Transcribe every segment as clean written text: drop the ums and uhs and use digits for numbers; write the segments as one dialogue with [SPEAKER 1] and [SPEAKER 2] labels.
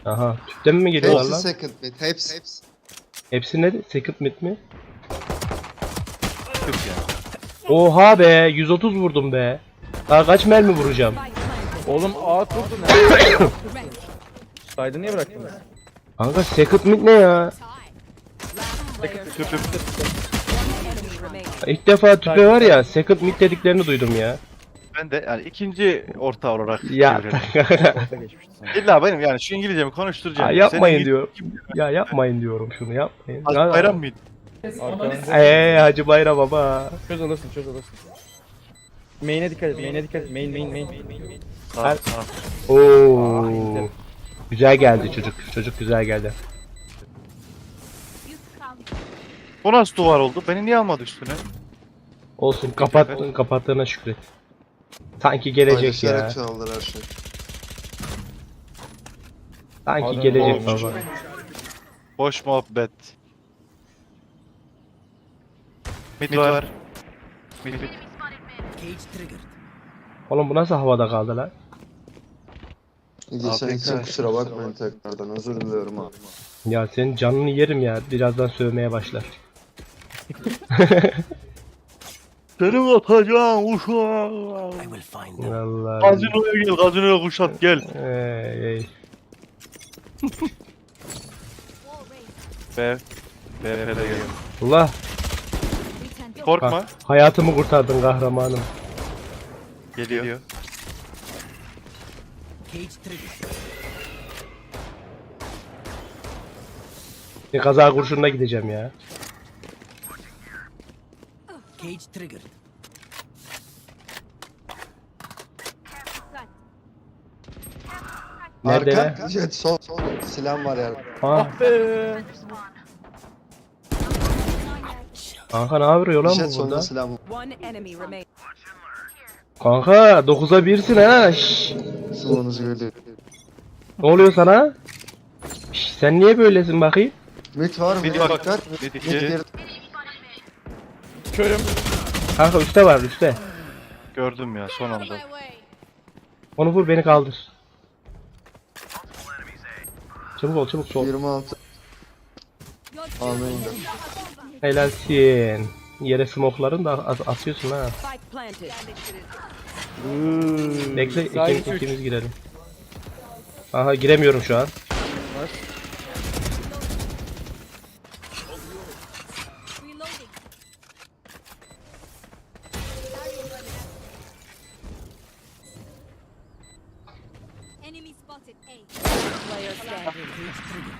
[SPEAKER 1] Aha. Tüpten mi geliyorlar
[SPEAKER 2] Hepsi
[SPEAKER 1] lan?
[SPEAKER 2] second mid. Hepsi.
[SPEAKER 1] Hepsi ne? Second mid mi?
[SPEAKER 3] Tüp ya.
[SPEAKER 1] Oha be 130 vurdum be. Daha kaç mermi vuracağım?
[SPEAKER 4] Oğlum A kurdu ne? Saydı niye bıraktınız?
[SPEAKER 1] Kanka second mid ne ya?
[SPEAKER 3] Tüp tüp.
[SPEAKER 1] İlk defa tüpe var ya second mid dediklerini duydum ya.
[SPEAKER 3] Ben de yani ikinci orta olarak
[SPEAKER 1] Ya
[SPEAKER 3] çeviriyorum.
[SPEAKER 4] Orta geçmişti sana.
[SPEAKER 3] İlla benim yani şu İngilizcemi konuşturacağım.
[SPEAKER 1] yapmayın
[SPEAKER 3] Senin
[SPEAKER 1] diyor. Ya yapmayın diyorum şunu yapmayın.
[SPEAKER 3] Hacı Bayram mıydı?
[SPEAKER 4] Arkadan
[SPEAKER 1] Hacı Bayram baba.
[SPEAKER 4] çöz alırsın. Main'e dikkat et. Main.
[SPEAKER 3] Sağ sağ.
[SPEAKER 1] Oo. Güzel geldi çocuk. Çocuk güzel geldi.
[SPEAKER 3] Bu nasıl duvar oldu? Beni niye almadı üstüne?
[SPEAKER 1] Olsun kapattığına şükret. Sanki gelecek ya.
[SPEAKER 2] Paylaşarak çaldılar her şey.
[SPEAKER 1] Sanki
[SPEAKER 4] Adam
[SPEAKER 1] gelecek
[SPEAKER 4] olmuş.
[SPEAKER 1] baba.
[SPEAKER 3] Boş muhabbet. Mid var. Mid.
[SPEAKER 1] Oğlum bu nasıl havada kaldı lan?
[SPEAKER 2] Geçen için
[SPEAKER 3] APK.
[SPEAKER 2] kusura bakmayın tekrardan. Özür diliyorum abi.
[SPEAKER 1] Ya senin canını yerim ya. Birazdan sövmeye başlar.
[SPEAKER 3] Seni atacağım uşağım.
[SPEAKER 1] Vallahi.
[SPEAKER 3] Gazinoya gel, gazinoya kuşat gel.
[SPEAKER 1] Ey.
[SPEAKER 3] BF'de gel.
[SPEAKER 1] Allah.
[SPEAKER 3] Korkma.
[SPEAKER 1] Hayatımı kurtardın kahramanım.
[SPEAKER 3] Geliyor.
[SPEAKER 1] Bir kaza kurşununa gideceğim ya.
[SPEAKER 5] Cage triggered.
[SPEAKER 1] Nerede
[SPEAKER 2] Arka. Jet sol. Silah var yani.
[SPEAKER 1] Ha,
[SPEAKER 4] Be.
[SPEAKER 1] kanka ne yapıyor lan
[SPEAKER 2] Jet
[SPEAKER 1] bu
[SPEAKER 2] solda
[SPEAKER 1] burada?
[SPEAKER 2] silah var.
[SPEAKER 5] One enemy remains.
[SPEAKER 1] Kanka 9'a 1'sin ha. Şşş.
[SPEAKER 2] Suluğunuz geliyor.
[SPEAKER 1] Ne oluyor sana? Şşş, sen niye böylesin bakayım?
[SPEAKER 2] Mid var mı?
[SPEAKER 3] Mid var.
[SPEAKER 2] Dikkat.
[SPEAKER 3] Mid
[SPEAKER 2] Mid
[SPEAKER 3] iki.
[SPEAKER 2] bir.
[SPEAKER 4] Körüm.
[SPEAKER 1] Kanka üstte var üstte.
[SPEAKER 3] Gördüm ya son anda.
[SPEAKER 1] Onu vur beni kaldır. Çabuk ol çabuk sol.
[SPEAKER 2] 26. Amin.
[SPEAKER 1] Helalsin. Yere smokların da atıyorsun ha.
[SPEAKER 5] Spike planted.
[SPEAKER 1] Bekle
[SPEAKER 4] Sağ üç.
[SPEAKER 1] ikimiz girelim. Aha giremiyorum şu an.
[SPEAKER 6] Enemy spotted A.
[SPEAKER 5] Player standing.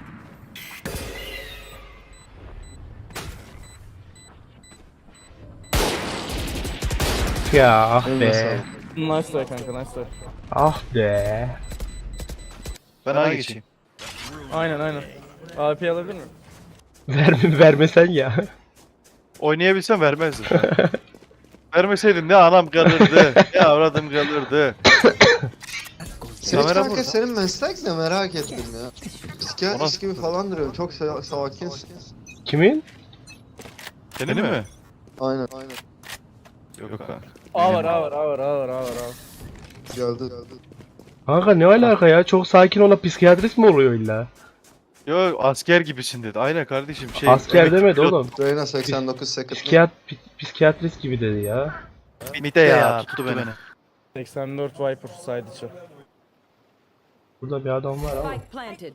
[SPEAKER 1] Ya ah
[SPEAKER 2] Eline
[SPEAKER 1] be.
[SPEAKER 2] sağlık.
[SPEAKER 4] Nice try kanka nice try.
[SPEAKER 1] Ah be.
[SPEAKER 3] Ben A'ya geçeyim.
[SPEAKER 4] Aynen. AP alabilir miyim?
[SPEAKER 1] Vermesen ya.
[SPEAKER 3] Oynayabilsem vermezdim. Vermeseydin ne anam kalırdı, ne avradım kalırdı.
[SPEAKER 2] Senin
[SPEAKER 3] Kamera
[SPEAKER 2] kanka
[SPEAKER 3] burada.
[SPEAKER 2] senin meslek ne merak ettim ya. Psikiyatrist gibi falan duruyorum. Çok sakinsin.
[SPEAKER 1] Kimin?
[SPEAKER 3] Senin mi?
[SPEAKER 2] Aynen.
[SPEAKER 3] Yok kanka.
[SPEAKER 4] A var.
[SPEAKER 2] Geldi.
[SPEAKER 1] Kanka ne alaka ya? Çok sakin olan psikiyatrist mi oluyor illa?
[SPEAKER 3] Yo asker gibisin dedi. Aynen kardeşim şey.
[SPEAKER 1] Asker
[SPEAKER 3] emekli
[SPEAKER 1] demedi
[SPEAKER 3] pilot.
[SPEAKER 1] oğlum.
[SPEAKER 2] Reyna 89 second.
[SPEAKER 1] Psikiyatrist gibi dedi ya.
[SPEAKER 3] Mide ya tuttu beni.
[SPEAKER 4] 84 Viper side içi.
[SPEAKER 1] Burada bir adam var ama.
[SPEAKER 5] Spike planted.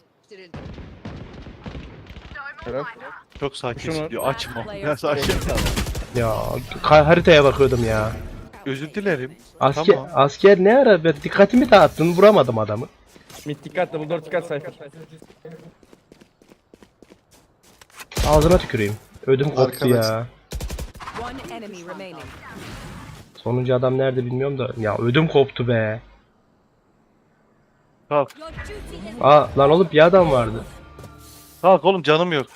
[SPEAKER 4] Helal.
[SPEAKER 3] Çok sakinsin
[SPEAKER 4] Şunu-
[SPEAKER 3] diyor açma. Ya sakin.
[SPEAKER 1] Ya haritaya bakıyordum ya.
[SPEAKER 3] Özür dilerim.
[SPEAKER 1] Asker
[SPEAKER 3] Tamam.
[SPEAKER 1] asker ne ara? Ben dikkatimi dağıttın, vuramadım adamı.
[SPEAKER 4] Mid dikkat double door dikkat Cypher.
[SPEAKER 1] Ağzına tüküreyim. Ödüm koptu
[SPEAKER 2] Arkadaş.
[SPEAKER 1] ya.
[SPEAKER 5] One enemy remaining.
[SPEAKER 1] Sonuncu adam nerede bilmiyorum da. Ya ödüm koptu be.
[SPEAKER 3] Kalk.
[SPEAKER 6] Your duty is
[SPEAKER 1] Aa lan oğlum bir adam vardı.
[SPEAKER 3] Kalk oğlum canım yok.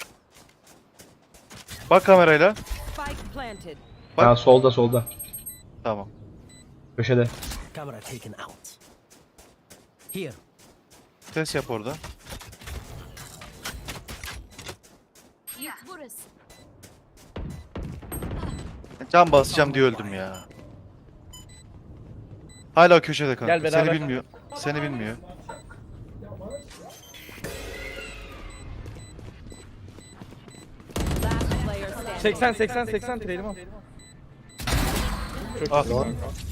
[SPEAKER 3] Bak kamerayla.
[SPEAKER 5] Spike planted.
[SPEAKER 3] Bak.
[SPEAKER 1] Ha solda.
[SPEAKER 3] Tamam.
[SPEAKER 1] Köşede.
[SPEAKER 5] Camera taken out. Here.
[SPEAKER 3] Ses yap orada.
[SPEAKER 6] yük burası.
[SPEAKER 3] Can basacağım diye öldüm ya. Hala köşede kanka.
[SPEAKER 4] Gel beraber.
[SPEAKER 3] Seni bilmiyor.
[SPEAKER 4] 80 trailim al. Çok
[SPEAKER 3] Ah.
[SPEAKER 4] iyisin kanka.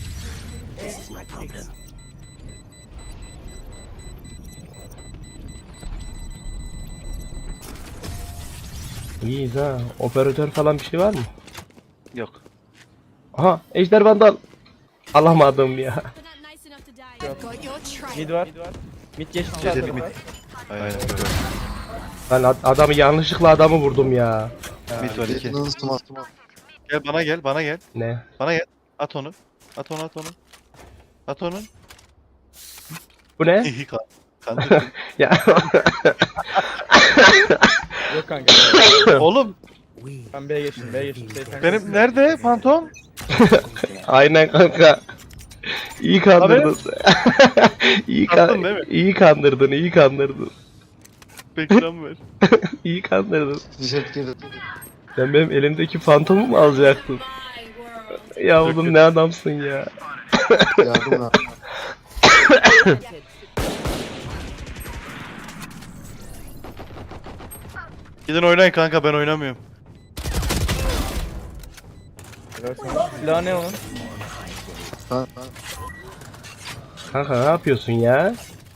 [SPEAKER 1] İyiyiz ha. Operatör falan bir şey var mı?
[SPEAKER 3] Yok.
[SPEAKER 1] Aha Ejder Vandal. Alamadım ya.
[SPEAKER 6] They're not nice enough to die. Got your trail.
[SPEAKER 4] Mid var. Mid geçti sağ
[SPEAKER 3] Ceset mid.
[SPEAKER 4] tarafa.
[SPEAKER 3] Aynen böyle.
[SPEAKER 1] Ben adamı yanlışlıkla adamı vurdum ya.
[SPEAKER 3] Mid var 2.
[SPEAKER 2] Yakının smoke.
[SPEAKER 3] Gel bana gel.
[SPEAKER 1] Ne?
[SPEAKER 3] Bana gel. At onu. At onu.
[SPEAKER 1] Bu ne?
[SPEAKER 3] Kandırdın.
[SPEAKER 1] Ya
[SPEAKER 4] Yok kanka.
[SPEAKER 3] Oğlum
[SPEAKER 4] Ben B'ye geçtim. 80.
[SPEAKER 3] benim nerede fantom?
[SPEAKER 1] aynen kanka. İyi kandırdın. iyi,
[SPEAKER 3] Attın değil mi?
[SPEAKER 1] iyi kandırdın.
[SPEAKER 3] Bekran ver.
[SPEAKER 1] İyi kandırdın.
[SPEAKER 2] Jet girdi.
[SPEAKER 1] Sen benim elimdeki fantomu mu alacaktın? Ya oğlum ne adamsın ya.
[SPEAKER 2] Yardım lan.
[SPEAKER 5] Planted.
[SPEAKER 3] Gidin oynayın kanka ben oynamıyorum.
[SPEAKER 4] Silah ne onun?
[SPEAKER 2] Ha,
[SPEAKER 1] Kanka ne yapıyorsun ya?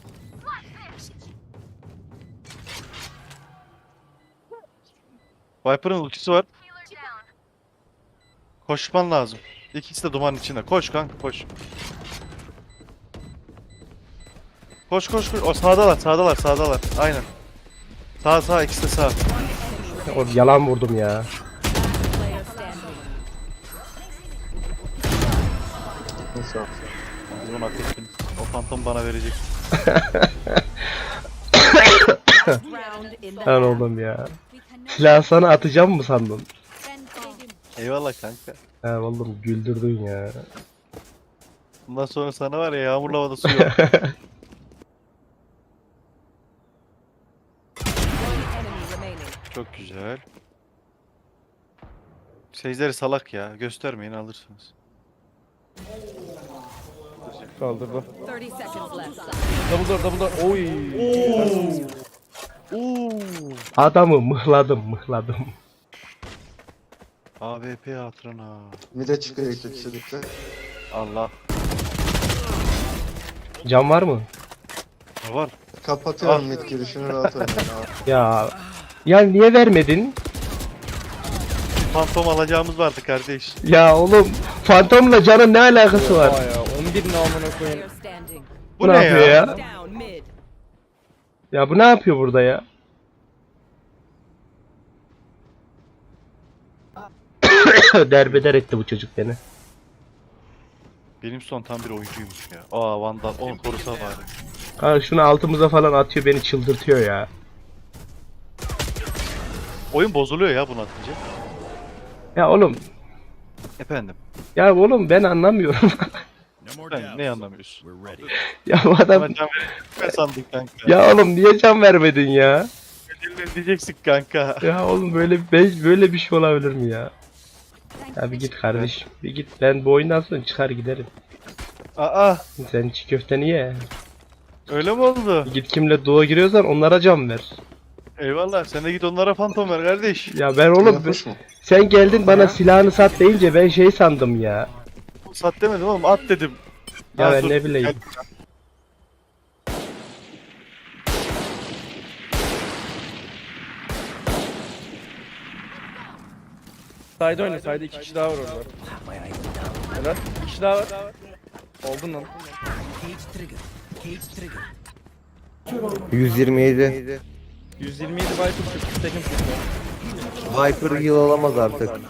[SPEAKER 3] Viper'ın ultisi var. Koşman lazım. İkisi de dumanın içinde. Koş kanka koş. Koş. O sağdalar. Aynen. Sağ ikisi de sağ.
[SPEAKER 1] O yalan vurdum ya.
[SPEAKER 5] Player standing.
[SPEAKER 2] neyse.
[SPEAKER 3] Bunu hak ettin. O fantom bana verecek.
[SPEAKER 5] Round in the
[SPEAKER 1] Lan
[SPEAKER 5] half.
[SPEAKER 1] oğlum ya.
[SPEAKER 6] We cannot
[SPEAKER 1] Silah sana atacağım mı sandın?
[SPEAKER 6] defend Stadium.
[SPEAKER 3] Eyvallah kanka.
[SPEAKER 1] Ha oğlum güldürdün ya.
[SPEAKER 3] Bundan sonra sana var ya yağmurlu havada su yok.
[SPEAKER 5] One enemy remaining.
[SPEAKER 3] Çok güzel. Seyircileri salak ya. Göstermeyin alırsınız.
[SPEAKER 4] Kaldırdı.
[SPEAKER 5] 30 seconds left.
[SPEAKER 4] Double door. Oy.
[SPEAKER 1] Adamı mıhladım.
[SPEAKER 3] AWP hatırına.
[SPEAKER 2] Mide çıkıyor iki kişilikte.
[SPEAKER 3] Allah.
[SPEAKER 1] Can var mı?
[SPEAKER 3] Ne var?
[SPEAKER 2] Kapatıyorum mid girişini rahat oynayın abi.
[SPEAKER 1] Ya niye vermedin?
[SPEAKER 3] Fantom alacağımız vardı kardeş.
[SPEAKER 1] Ya oğlum fantomla canın ne alakası var?
[SPEAKER 4] Aa ya 11 ne amına koyayım.
[SPEAKER 5] Player standing.
[SPEAKER 1] Bu ne yapıyor ya?
[SPEAKER 5] Down mid.
[SPEAKER 1] Ya bu ne yapıyor burada ya? Derbeder etti bu çocuk beni.
[SPEAKER 3] Benim son tam bir oyuncuymuş ya. Aa Vandal. Onu korusa bari.
[SPEAKER 1] Ha şunu altımıza falan atıyor beni çıldırtıyor ya.
[SPEAKER 3] Oyun bozuluyor ya bunu atınca.
[SPEAKER 1] Ya oğlum,
[SPEAKER 3] Efendim.
[SPEAKER 1] ya oğlum ben anlamıyorum.
[SPEAKER 3] Sen ne anlamıyorsun?
[SPEAKER 1] Ya bu adam,
[SPEAKER 3] Ama can verecek sandık kanka.
[SPEAKER 1] ya oğlum niye can vermedin ya?
[SPEAKER 3] Elimle diyeceksin kanka.
[SPEAKER 1] Ya oğlum böyle bir şey olabilir mi ya? Ya bir git kardeşim, bir git. Ben bu oyundan sonra çıkar giderim.
[SPEAKER 3] Aa
[SPEAKER 1] Sen çiğ köfteni ye.
[SPEAKER 3] öyle mi oldu?
[SPEAKER 1] Bir git kimle duo giriyorsan onlara can ver.
[SPEAKER 3] Eyvallah sen de git onlara fantom ver kardeş.
[SPEAKER 1] Ya ben oğlum,
[SPEAKER 2] Yapmış mı?
[SPEAKER 1] sen geldin bana silahını sat deyince ben şey sandım ya.
[SPEAKER 3] Sat demedim oğlum at dedim.
[SPEAKER 1] Ya
[SPEAKER 3] Ha,
[SPEAKER 1] ben
[SPEAKER 3] dur,
[SPEAKER 1] ne bileyim.
[SPEAKER 3] gel.
[SPEAKER 4] Side oyna. Side 2 kişi daha var orada. Helal. 2 kişi daha var. Oldun lan.
[SPEAKER 7] 127.
[SPEAKER 4] 127 Viper çıktı. Second çıktı.
[SPEAKER 7] Viper yıl olamaz artık.
[SPEAKER 2] Abi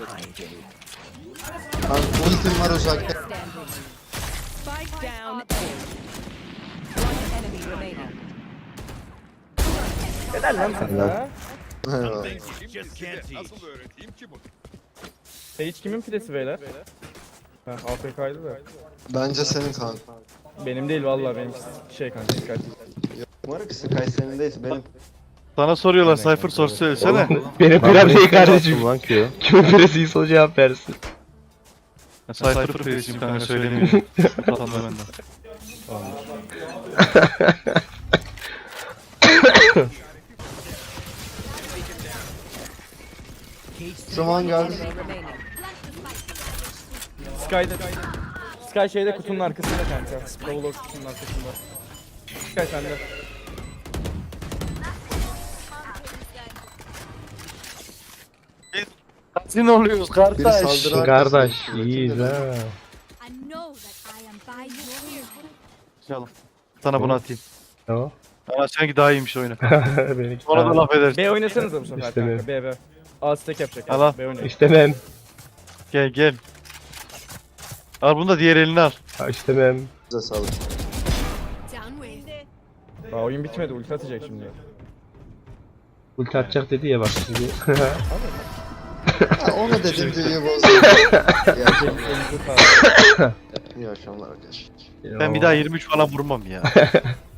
[SPEAKER 2] ultim var uzakta.
[SPEAKER 5] Standing. Spike down A. One enemy remaining.
[SPEAKER 4] Helal lan sana.
[SPEAKER 2] Eyvallah.
[SPEAKER 4] Sage kimin pidesi beyler? Ha AFK'ydı da.
[SPEAKER 2] Bence senin kanka.
[SPEAKER 4] Benim değil vallahi benim şey kanka dikkat.
[SPEAKER 2] Umarım ki Sky senindeyiz benim.
[SPEAKER 3] Sana soruyorlar Cypher sor söylesene.
[SPEAKER 1] Benim
[SPEAKER 7] Ben
[SPEAKER 1] piram
[SPEAKER 7] bunu
[SPEAKER 1] değil
[SPEAKER 7] ilk kez
[SPEAKER 1] kardeşim.
[SPEAKER 7] yaptım lan Q.
[SPEAKER 1] Kimin piresi o cevap versin.
[SPEAKER 3] Cypher presiyim kanka söylemiyorum. Utanma benden.
[SPEAKER 2] Zaman geldi.
[SPEAKER 5] Remaining.
[SPEAKER 4] Sky şeyde kutunun arkasında kanka. Double kutunun arkasında. Sky sende.
[SPEAKER 3] Kaçın oluyoruz
[SPEAKER 2] Biri
[SPEAKER 3] kardeş.
[SPEAKER 2] saldırı
[SPEAKER 1] Kardeş
[SPEAKER 2] arkasında.
[SPEAKER 1] iyiyiz ha.
[SPEAKER 6] I know that I am by your
[SPEAKER 3] İnşallah. Sana bunu atayım.
[SPEAKER 1] Tamam.
[SPEAKER 3] Ama sanki daha iyiymiş oyunu.
[SPEAKER 1] Benimki
[SPEAKER 3] Sonra da
[SPEAKER 1] daha-
[SPEAKER 3] laf edersin.
[SPEAKER 4] B oynasanıza bu sefer
[SPEAKER 1] İstemiyorum.
[SPEAKER 4] kanka. B. A stack yapacak.
[SPEAKER 3] Al al.
[SPEAKER 4] B oynayın.
[SPEAKER 1] İstemem.
[SPEAKER 3] Gel gel. Al bunu da diğer elini al.
[SPEAKER 1] Ha, istemem.
[SPEAKER 2] Size sağlık.
[SPEAKER 6] down with.
[SPEAKER 4] Daha oyun bitmedi. Ulti atacak şimdi.
[SPEAKER 1] Ulti atacak dedi ya bak şimdi.
[SPEAKER 2] Ha, onu dedim diye bozdu. İyi akşamlar.
[SPEAKER 4] Elinize sağlık.
[SPEAKER 2] İyi akşamlar arkadaşlar.
[SPEAKER 3] Ben bir daha 23 falan vurmam ya.